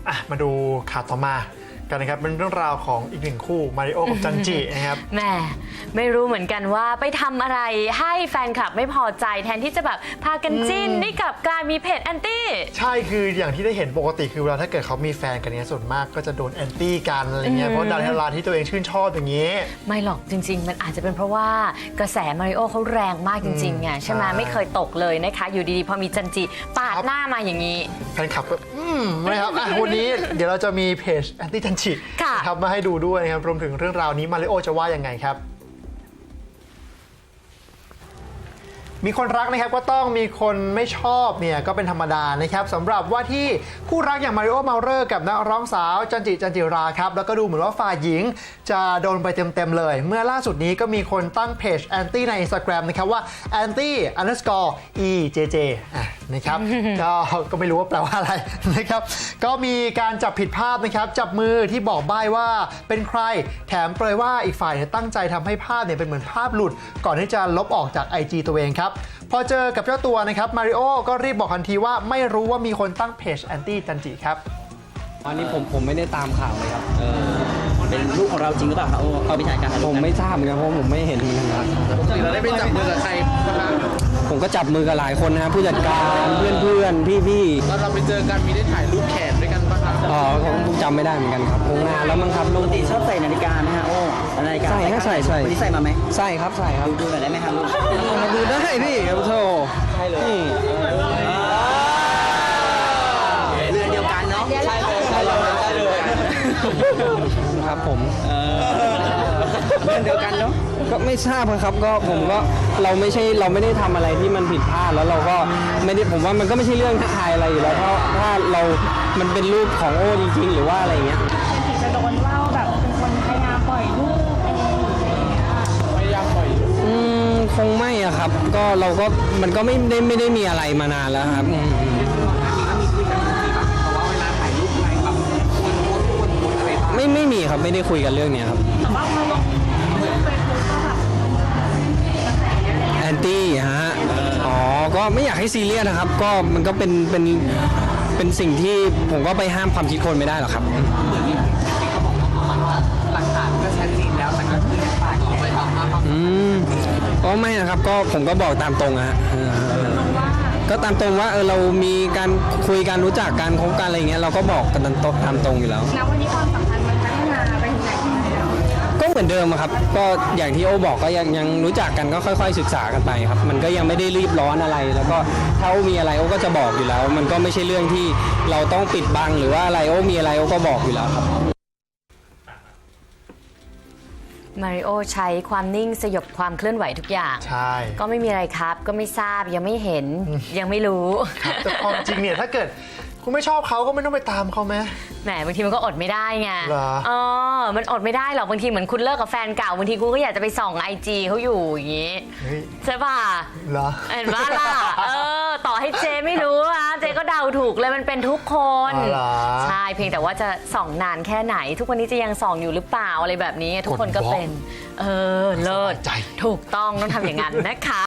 มาดูข่าวต่อมากันนะครับเป็นเรื่องราวของอีกหนึ่งคู่มาริโอกับจันจินะครับแหมไม่รู้เหมือนกันว่าไปทำอะไรให้แฟนคลับไม่พอใจแทนที่จะแบบพากันจิ้นนี่กลับกลายมีเพจแอนตี้ใช่คืออย่างที่ได้เห็นปกติคือเวลาถ้าเกิดเขามีแฟนกันเนี้ยส่วนมากก็จะโดนแอนตี้กันอะไรเงี้ยเพราะดาราที่ตัวเองชื่นชอบอย่างนี้ไม่หรอกจริงๆมันอาจจะเป็นเพราะว่ากระแสมาริโอเขาแรงมากจริงๆไงใช่ไหมไม่เคยตกเลยนะคะอยู่ดีๆพอมีจันจิปาดหน้ามาอย่างนี้แฟนคลับก็นะครับวันนี้เดี๋ยวเราจะมีเพจแอนตี้จันจิครับมาให้ดูด้วยนะครับรวมถึงเรื่องราวนี้มาริโอจะว่ายังไงครับมีคนรักนะครับก็ต้องมีคนไม่ชอบเนี่ยก็เป็นธรรมดานะครับสำหรับว่าที่คู่รักอย่างมาริโอเมาเลอร์กับนักร้องสาวจันจิราครับแล้วก็ดูเหมือนว่าฝ่ายหญิงจะโดนไปเต็มเลยเมื่อล่าสุดนี้ก็มีคนตั้งเพจแอนตี้ใน Instagram นะครับว่า anti_ejj นะครับ ก็ไม่รู้ว่าแปลว่าอะไรนะครับก็มีการจับผิดภาพนะครับจับมือที่บอกใบ้ว่าเป็นใครแถมเปรยว่าอีกฝ่ายตั้งใจทำให้ภาพเนี่ยเป็นเหมือนภาพหลุดก่อนที่จะลบออกจาก IG ตัวเองครับพอเจอกับเจ้าตัวนะครับมาริโอก็รีบบอกทันทีว่าไม่รู้ว่ามีคนตั้งเพจแอนตี้จันจิครับอันนี้ผมไม่ได้ตามข่าวเลยครับเป็นลูกของเราจริงหรือเปล่าครับเอาไปถ่ายกันผมไม่ทราบเหมือนกันเพราะผมไม่เห็นเหมือนกันครับปกติเราได้ไปจับมือกับใครบ้างผมก็จับมือกับหลายคนนะครับผู้จัดการเพื่อนพี่ตอนเราไปเจอกันมีได้ถ่ายรูปแขนด้วยกันป่ะครับผมจำไม่ได้เหมือนกันครับคงนานแล้วมั้งครับปกติชอบใส่นาฬิกาไหมฮะโอ้นาฬิกาใส่วันนี้ใส่มาไหมใส่ครับดูหน่อยได้ไหมครับดูได้พี่ครับโธ่ใช่เลยเรือนเดียวกันเนาะใช่เลยครับผมเรือนเดียวกันเนาะก็ไม่ทราบครับก็ผมก็เราไม่ได้ทำอะไรที่มันผิดพลาดแล้วเราก็ไม่ได้ผมว่ามันก็ไม่ใช่เรื่องท้าทายอะไรอยู่แล้วเพราะถ้ามันเป็นรูปของโอ้จริงๆหรือว่าอะไรเงี้ยจะโดนเล่าแบบเป็นคนพยายามปล่อยรูปเองอะไรอย่างเงี้ยพยายามปล่อยคงไม่อะครับก็เราก็มันก็ไม่ได้มีอะไรมานานแล้วครับไม่มีครับไม่ได้คุยกันเรื่องนี้ครับแอนตี้ฮะก็ไม่อยากให้ซีเรียสนะครับก็มันก็เป็นสิ่งที่ผมก็ไปห้ามความคิดคนไม่ได้หรอกครับหลักฐานก็ชัดเจนแล้วแต่ก็คือปากออกไปทำมาก็ไม่นะครับก็ผมก็บอกตามตรงฮะก็ตามตรงว่าเรามีการคุยกันรู้จักกันคบกันอะไรเงี้ยเราก็บอกกันตามตรงอยู่แล้วแล้ววันนี้ความสัมพันธ์มันพัฒนาไปถึงไหนแล้วก็เหมือนเดิมครับก็อย่างที่โอบอกก็ยังรู้จักกันก็ค่อยๆศึกษากันไปครับมันก็ยังไม่ได้รีบร้อนอะไรแล้วก็ถ้าโอมีอะไรโอก็จะบอกอยู่แล้วมันก็ไม่ใช่เรื่องที่เราต้องปิดบังหรือว่าอะไรโอมีอะไรโอก็บอกอยู่แล้วครับมาริโอใช้ความนิ่งสยบความเคลื่อนไหวทุกอย่างใช่ก็ไม่มีอะไรครับก็ไม่ทราบยังไม่เห็นยังไม่รู้แต่ความจริงเนี่ยถ้าเกิดคุณไม่ชอบเขาก็ไม่ต้องไปตามเขาไหมแหมบางทีมันก็อดไม่ได้ไงมันอดไม่ได้หรอกบางทีเหมือนคุณเลิกกับแฟนเก่าบางทีคุณก็อยากจะไปส่องIGเขาอยู่อย่างนี้ใช่ป่ะเหรอเห็นว่าล่ะต่อให้เจไม่รู้นะเจก็เดาถูกเลยมันเป็นทุกคนใช่เพียงแต่ว่าจะส่องนานแค่ไหนทุกวันนี้จะยังส่องอยู่หรือเปล่าอะไรแบบนี้ทุกคนก็เป็นเลิศถูกต้องต้องทำอย่างนั้นนะคะ